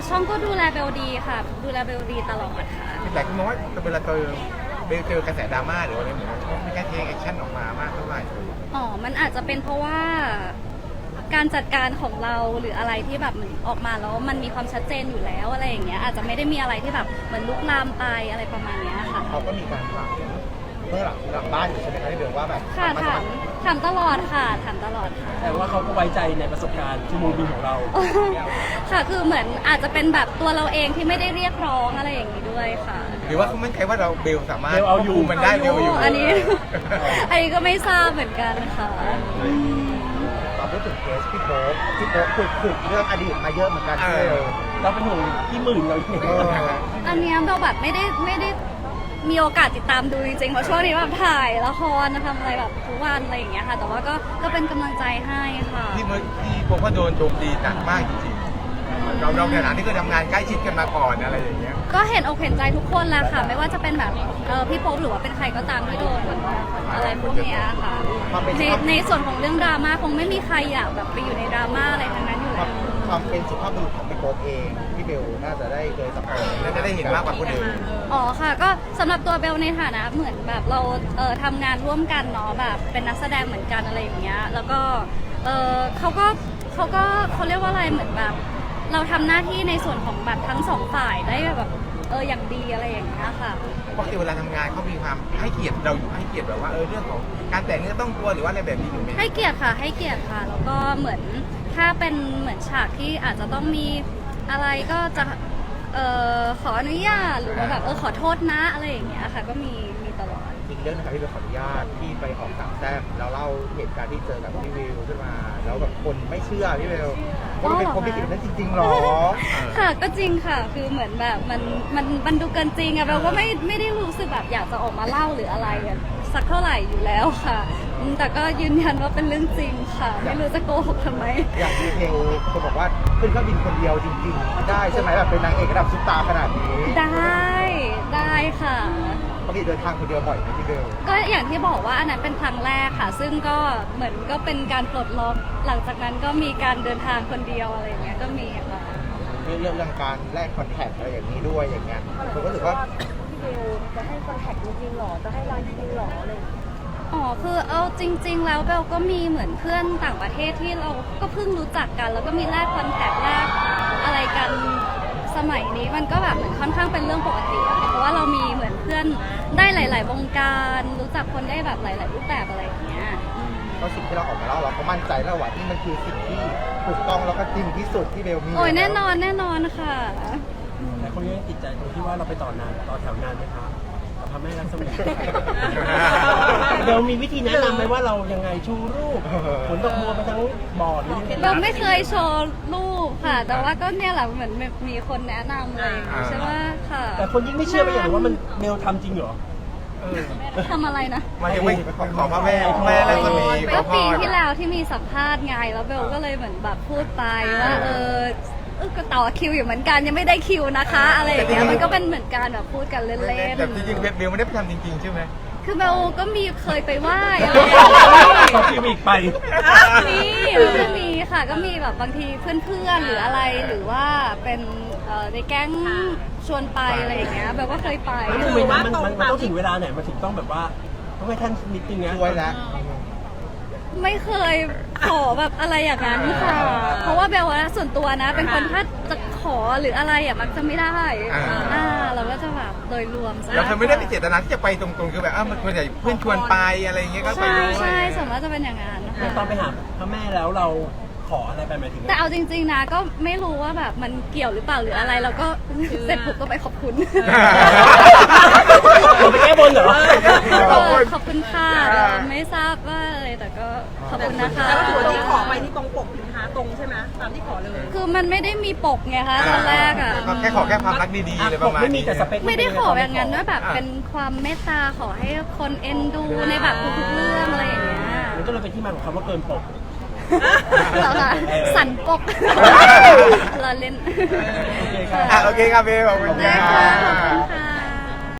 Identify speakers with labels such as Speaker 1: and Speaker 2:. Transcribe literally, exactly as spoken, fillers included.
Speaker 1: ช่องก็ดูแลเบลดีค่ะดูแลเบลดีตลอดค่ะ
Speaker 2: แต่คุณมองว่าเวลาเจอเบลเจอกระแสดราม่าหรืออะไรเหมือนกันไม่แค่เทคแอคชั่นออกมามากเท่าไหร่
Speaker 1: อ๋อมันอาจจะเป็นเพราะว่าการจัดการของเราหรืออะไรที่แบบเหมือนออกมาแล้วมันมีความชัดเจนอยู่แล้วอะไรอย่างเงี้ยอาจจะไม่ได้มีอะไรที่แบบเหมือนลุกลามไปอะไรประมาณเนี้ยค่ะ
Speaker 2: เขาก็มีการถามเมื่อหลังหลังบ้านอยู่ใช่ไหมคะที่เบลว่าแบบ
Speaker 1: ค่ะถามถามตลอดค่ะถามตลอดค่ะ
Speaker 3: แต่ว่าเขาก็ไว้ใจในประสบการณ์ชั่วโมงบินของเรา
Speaker 1: ค่ะคือเหมือนอาจจะเป็นแบบตัวเราเองที่ไม่ได้เรียกร้องอะไรอย่างนี้ด้วยค่ะ
Speaker 2: หรือว่าเขาไม่ใช่ว่าเราเบลสามารถ
Speaker 3: เบลเอาอยู่
Speaker 2: มันได้เบลอยู่
Speaker 1: อันนี้อันนี้ก็ไม่ทราบเหมือนกันค่ะ
Speaker 2: ตอนพูดถึงเคสพี่โป๊ปพี่โป๊ปขุดขุดเรื่องอดีตมาเยอะเหมือนกันเลย
Speaker 3: เราเป็นห่วงพี่หมื่นเราอยู่
Speaker 1: อันนี้เราแบบไม่ได้ไม่ได้มีโอกาสติดตามดูจริงๆเพราะช่วงนี้แบบถ่ายละครทำอะไรแบบทุกวันอะไรอย่างเงี้ยค่ะแต่ว่าก็ก็เป็นกำลังใจให้ค่ะ
Speaker 2: ที่เมื่อที่โป๊ปก็โดนโจมตีหนักมากจริงๆเราเราในฐานะที่เคยทำงานใกล้ชิดกันมาก่อนอะไรอย่างเงี้ย
Speaker 1: ก็เห็นอกเห็นใจทุกคนแหละค่ะไม่ว่าจะเป็นแบบเออพี่โป๊ปหรือว่าเป็นใครก็ตามที่โดนอะไรพวกเนี้ยค่ะในในส่วนของเรื่องดราม่าคงไม่มีใครอยากแบบไปอยู่ในดราม่าอะไรทั้งนั้นอยู่แล้ว
Speaker 2: ความเป็นสุภาพบุรุษของพี่โป๊ปเองพี่เบลน่าจะได้เคยสัมผัสน่าจะได้เห็นมากกว่าคนอื่น
Speaker 1: อ๋อค่ะก็สำหรับตัวเบลในฐานะเหมือนแบบเราเออทำงานร่วมกันเนาะแบบเป็นนักแสดงเหมือนกันอะไรอย่างเงี้ยแล้วก็เออเขาก็เขาก็เขาเรียกว่าอะไรเหมือนแบบเราทำหน้าที่ในส่วนของแบบทั้งสองฝ่ายได้แบบเอออย่างดีอะไรอย่างเงี้ยค่ะ
Speaker 2: ปกติเวลาทำงานเขามีความให้เกียรติเราอยู่ให้เกียรติแบบว่าเออเรื่องของการแต่งเนื้อต้องตัวหรือว่าอะไรแบบนี้อยู่ไหม
Speaker 1: ให้เกียรติค่ะให้เกียรติค่ะแล้วก็เหมือนถ้าเป็นเหมือนฉากที่อาจจะต้องมีอะไรก็จะเออขออนุญาตหรือว่าแบบเออขอโทษนะอะไรอย่างเงี้ยค่ะก็มีมีตลอด
Speaker 2: อีกเรื่องนะครับที่เราขออนุญาตที่ไปออกต่างแต้มแล้วเล่าเหตุการณ์ที่เจอกับพี่วิวขึ้นมาแล้วแบบคนไม่เชื่อพี่วิวว่าเป็นคนไม่จริงนั้นจริงๆหรอ
Speaker 1: ค่ะก็จริงค่ะคือเหมือนแบบมันมันมันดูเกินจริงอะเราก็ไม่ไม่ได้รู้สึกแบบอยากจะออกมาเล่าหรืออะไรสักเท่าไหร่อยู่แล้วค่ะแต่ก็ยืนยันว่าเป็นเรื่องจริงค่ะไม่รู้จะโกหกทำไม
Speaker 2: อย่างดีเทลคนบอกว่าขึ้นเครื่องบินคนเดียวจริงๆได้ใช่ไหมแบบเป็นนางเอกระดับซุปตาร์ขนาดนี้
Speaker 1: ได้ได้ค่ะ
Speaker 2: ปกติเดินทางคนเดียวบ่อยไหมพี่เบล
Speaker 1: ก็อย่างที่บอกว่าอันนั้นเป็นครั้งแรกค่ะซึ่งก็เหมือนก็เป็นการปลดล็อกหลังจากนั้นก็มีการเดินทางคนเดียวอะไรอย่างเงี้ยก็มีค่ะ
Speaker 2: เรื่องเรื่องการแลกคอนแทคอะไรอย่างนี้ด้วยอย่างเงี้ยผมก็รู้สึกว่า
Speaker 4: พี่เบลจะให้คอนแทคจริงๆหรอจะให้ไลน์จริงๆหรออะไร
Speaker 1: อ๋อคือเอาจริงๆแล้วเบลก็มีเหมือนเพื่อนต่างประเทศที่เราก็เพิ่งรู้จักกันแล้วก็มีแลกคอนแทคแลกอะไรกันสมัยนี้มันก็แบบเหมือนค่อนข้างเป็นเรื่องปกติเพราะว่าเรามีเหมือนเพื่อนได้หลายๆวงการรู้จักคนได้แบบหลายๆรูปแบบอะไรอย่างเงี้ย
Speaker 2: ก็สิ่งที่เราออกมาเล่าเราก็มั่นใจแล้วว่านี่มันคือสิ่งที่ถูกต้องแล้วก็จริงที่สุดที่เบลมี
Speaker 1: โอ้ยแน่นอนแน่นอนค่ะ
Speaker 3: แต่คนยังติดใจตรงที่ว่าเราไปต่อนานต่อแถวนานไหมคะกับพระแม่รัศมีเรามีวิธีแนะนำไหมว่าเรายังไงชูรูปผลดอกบัวไปทั้งบอร์ด
Speaker 1: เราไม่เคยโชว์รูปค่ะแต่ว่าก็เนี่ยแหละเหมือนมีคนแนะนำเลยใช่ไหมค่ะ
Speaker 3: แต่คนยิ่งไม่เชื่อไปอย่างว่ามันเบลทำจริงเหรอ
Speaker 1: ทำอะไรนะ
Speaker 2: มายังไม่ขอพระแม่แม่แล้วก็มี
Speaker 1: ก็ปีที่แล้วที่มีสัมภาษณ์ไงแล้วเบลก็เลยเหมือนแบบพูดไปว่าเออก็ต่อคิวอยู่เหมือนกันยังไม่ได้คิวนะคะอะไรอย่างเงี้ยมันก็เป็นเหมือนการแบบพูดกันเล่นๆ
Speaker 2: แต่จริงๆเบลไม่ได้ไปทำจริงๆใช่ไหม
Speaker 1: คือเบลก็มีเคยไปไหว้
Speaker 3: ขอคิวอีกไป
Speaker 1: มีก็มีค่ะก็มีแบบบางทีเพื่อนๆหรืออะไรหรือว่าเป็นในแก๊งชวนไปอะไรอย่างเงี้ยเบลก็เคยไป
Speaker 3: คือว่ามันมันต้องถึงเวลาไหนมันถึงต้องแบบว่าต้องให้ท่านนิดนึงนะ
Speaker 2: ช่วยแล้ว
Speaker 1: ไม่เคยขอแบบอะไรอย่างนั้นค่ะเพราะว่าเบลว่าส่วนตัวนะเป็นคนถ้าจะขอหรืออะไรอ่ะมักจะไม่ได้อ่าเราก็จะแบบโดยรวม
Speaker 2: เราเธอไม่ได้มีเจตนาที่จะไปตรงๆคือแบบอ้าวมันควรจะเพื่อนชวนไปอะไรอย่างเงี้ยก็ไปด้วย
Speaker 1: ใช่สมมติจะเป็นอย่างนั้น
Speaker 3: นะคะตอนไปหาพระแม่แล้วเราขออะไรไปหมายถึง
Speaker 1: แต่เอาจริงๆนะก็ไม่รู้ว่าแบบมันเกี่ยวหรือเปล่าหรืออะไรเราก็เสร็จปุ๊บก็ไปขอบคุณ
Speaker 3: ไปแก้บนเหรอ
Speaker 1: ขอบคุณค่ะไม่ทราบว่าอะไรแต่ก็ขอบคุณนะคะ
Speaker 4: แต่ว่าถือว่าที่ขอไปนี่ตรงปกนะคะตรงใช่ไหมตามที่ขอเลย
Speaker 1: คือมันไม่ได้มีปกไงคะตอนแรกอ่ะ
Speaker 2: แค่ขอแค่ความรักดีๆเลยประมาณนี้
Speaker 1: ไม่ได้ขอแบบนั้นว่าแบบเป็นความเมตตาขอให้คนเอ็นดูในแบบทุกๆเรื่องอะไรอย่างเงี้ย
Speaker 3: มันก็เลยเป็นที่มาของคำว่าเกินปก
Speaker 1: เหรอคะสันปกเราเล่น
Speaker 2: โอเคครับเบลขอบคุณ
Speaker 1: ค่ะ